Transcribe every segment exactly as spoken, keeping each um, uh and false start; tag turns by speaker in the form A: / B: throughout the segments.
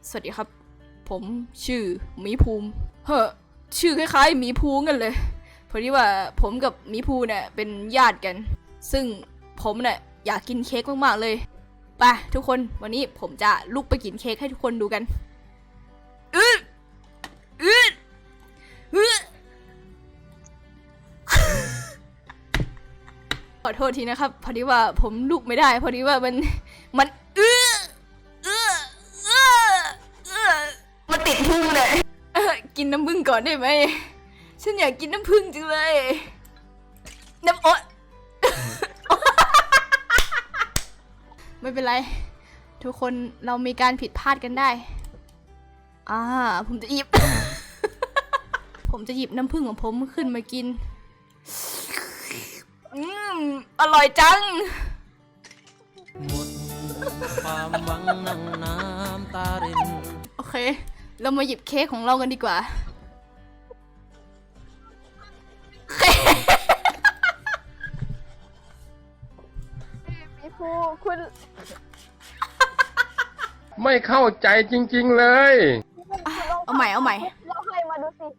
A: สวัสดีครับผมชื่อหมีภูมิเฮ้อชื่อคล้ายๆหมีภูกันเลยพอดีว่าผมกับหมีภูเนี่ยเป็นญาติกันซึ่งผมเนี่ยอยากกินเค้กมากๆเลยไปทุกคนวันนี้ผมจะลุกไปกินเค้กให้ทุกคนดูกันอืดอืดอืดขอโทษทีนะครับพอดีว่าผมลุกไม่ได้พอดีว่ามันมันอื้ออื้ออื้ออื้อมันติดพุงเลยกินน้ำผึ้งก่อนได้ไหมฉันอยากกินน้ำผึ้งจังเลยน้ำโอ๊ยไม่เป็นไรทุกคนเรามีการผิดพลาดกันได้อ่าผมจะหยิบ ผมจะหยิบน้ำผึ้งของผมขึ้นมากินอืมอร่อยจัง
B: หมดความหวังนั่งน้ำตาริน
A: โอเคเรามาหยิบเค้กของเรากันดีกว่า
C: พี่ภูคุณ
D: ไม่เข้าใจจริงๆเลย
A: เอาใหม่เอาใหม่
C: เราให้มาดูสิ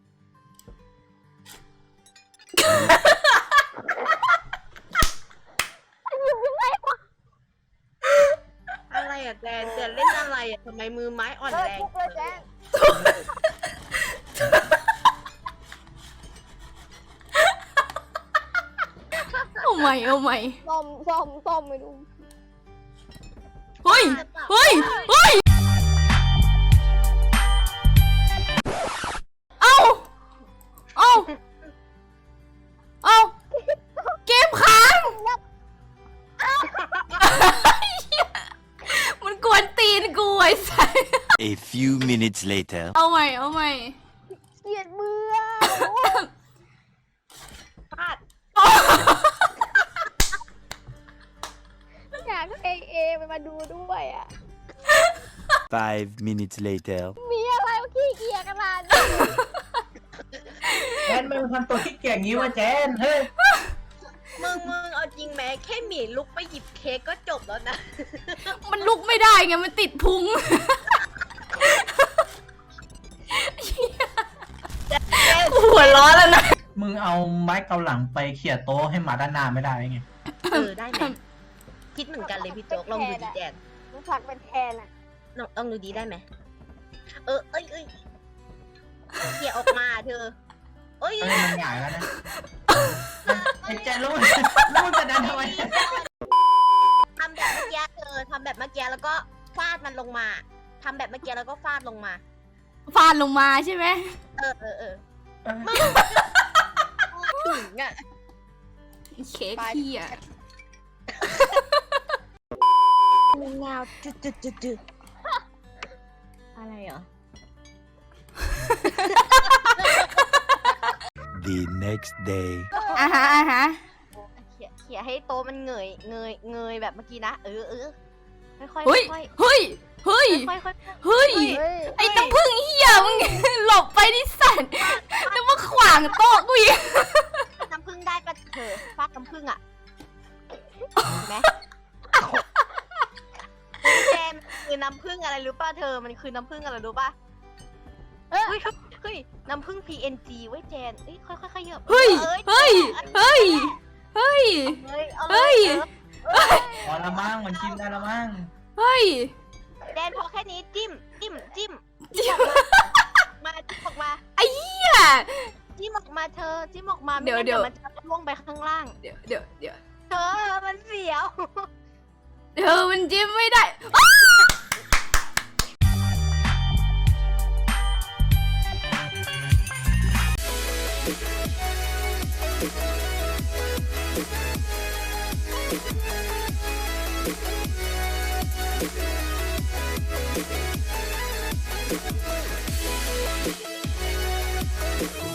E: อะไรอ่ะแจนแจนเล่นอะไรอ่ะทำไมมือไม้อ่อนแรง
C: เลยแจน
A: เอาใหม่เอาใหม่
C: ส้มส้มส้มไม่ดู
A: เฮ้ยเฮ้ยเฮ้ยเอาเอาเอาเกมค้างมันกวนตีนกูไอ้สัส
F: A few minutes later
A: เอาใหม่เอาใหม่
C: เกลียดมือ
E: พลาด
C: อยากให้เอมันมาดูด้วยอ่ะ
F: Five minutes later
C: มีอะไรวะขี้เกียจขนาดนี้
G: แจนมึงทำตัวขี้เกียจงี้วะแจนเฮ้ย
E: มึงมึงเอาจริงแม้แค่หมีลุกไปหยิบเค้กก็จบแล้วนะ
A: มันลุกไม่ได้ไงมันติดพุงหัวร้อนแล้วนะ
G: มึงเอาไม้เกาหลังไปเขี่ยโต๊ะให้หมาด้านหน้าไม่ได้ไง
E: เออได้ไหมคิดเหมือนกันเลยพี่โจ๊กลองดูดีแจน
C: มันสักเป็นแทนอ่ะ
E: ลองลองดูดีได้ไหมเออเอ้ยเอ้ยเขี่ยออกมาเธอเอ้ย
G: เฮ้ยมันใหญ่แล้วนะไอ้แจนรู้รู้จะดันทำไม
E: ทำแบบเมื่อกี้เธอทำแบบเมื่อกี้แล้วก็ฟาดมันลงมาทำแบบเมื่อกี้แล้วก็ฟาดลงมา
A: ฟาดลงมาใช่ไหม
E: เออเออเออมึงถึงอ่ะ
A: เค้กขี้อ่ะ
E: มึงเงาจุดจุดจุดจุดอะไรเหรอ
F: The next day
A: อ่าฮะอ่าฮะ
E: เขี่ยเขี่ยให้โต๊ะมันเงยเงยเงยแบบเมื่อกี้นะเออเออค่อยๆ
A: เฮ้ย
E: ค่อย
A: เฮ้ยเฮ้ย
E: ๆค่อยๆ
A: เฮ้ยไอ้น้ำผึ้งเหี้ยมึงหลบไปดิสันแล้วมาขวางโต๊ะกูอีก
E: น้ำผึ้งได้ปะเธอฟาดน้ำผึ้งอ่ะเห็นไหมแจมคือน้ำผึ้งอะไรรู้ป่ะเธอมันคือน้ำผึ้งอะไรรู้ป่ะเฮ้ยเฮ้ยน้ำผึ้ง พี เอ็น จี เว้ยแจนเอ้ยค่อยๆขยับ
A: เฮ้ยเฮ้ยเฮ้ยเฮ้ยเฮ้ย
G: พอละมั่งมันกินได้ละมั่ง
A: เฮ้ย
E: แจนพอแค่นี้จิ้มจิ้มจิ้มมาจิ้มออกมา
A: ไอ้เหี้ย
E: จิ้มออกมาเธอจิ้มออกมา
A: เดี๋ยวเดี๋ยว
E: มันจะล่วงไปข้างล่าง
A: เดี๋ยวเดี๋ยวเดี๋ยว
E: เธอมันเสียว
A: เธอมันจิ้มไม่ได้